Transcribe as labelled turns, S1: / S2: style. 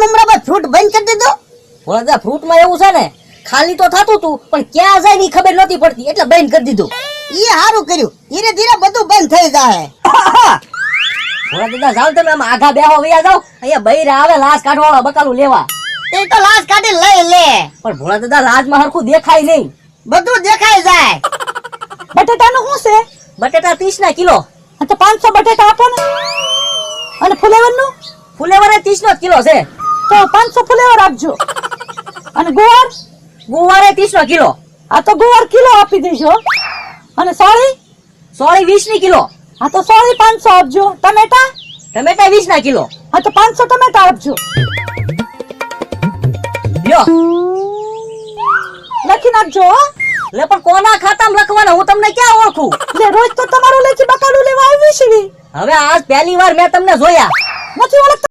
S1: હમણાં બસ ફ્રૂટ બંધ કરી દીધો.
S2: ભોળાદા ફ્રૂટમાં એવું છે ને ખાલી તો થતું તું પણ ક્યાં જાય ની ખબર નહોતી પડતી એટલે બંધ કરી દીધું.
S1: એ સારું કર્યું, ધીરે ધીરે બધું બંધ થઈ જાય.
S2: ભોળાદા જાવ તમે આમ આઘા બેહો વયા જાવ, અહીંયા બૈરા આવે લાશ કાઢવાળા બકાલું લેવા.
S1: એ તો લાશ કાઢી લઈ લે,
S2: પણ ભોળાદા લાજમાં હરખું દેખાય નહીં.
S1: બધું દેખાઈ જાય.
S3: બટેટાનું શું છે?
S2: બટેટા 30 ના કિલો.
S3: આ તો 500 બટેટા આપો ને. અને ફુલેવરનું?
S2: ફુલેવર 30 નો જ કિલો છે.
S3: તો 500 ફુલેવર આપજો. અને ગુવાર?
S2: ગુવારે 30 નો કિલો.
S3: આ તો ગુવાર કિલો આપી દેજો. અને સોળી?
S2: સોળી 20 ની કિલો.
S3: આ તો સોળી 500 આપજો. ટમેટા?
S2: ટમેટા 20 ના કિલો.
S3: આ તો 500 ટમેટા આપજો.
S2: લ્યો
S3: લખી નાખજો હો.
S2: લે પણ કોના ખાતામાં લખવાના હું તમને ક્યાં ઓળખું?
S3: લે રોજ તો તમારું લેખી બકાલું લેવા આવી છે.
S2: હવે આજ પહેલી વાર મેં તમને જોયા.
S3: નથી ઓળખતા?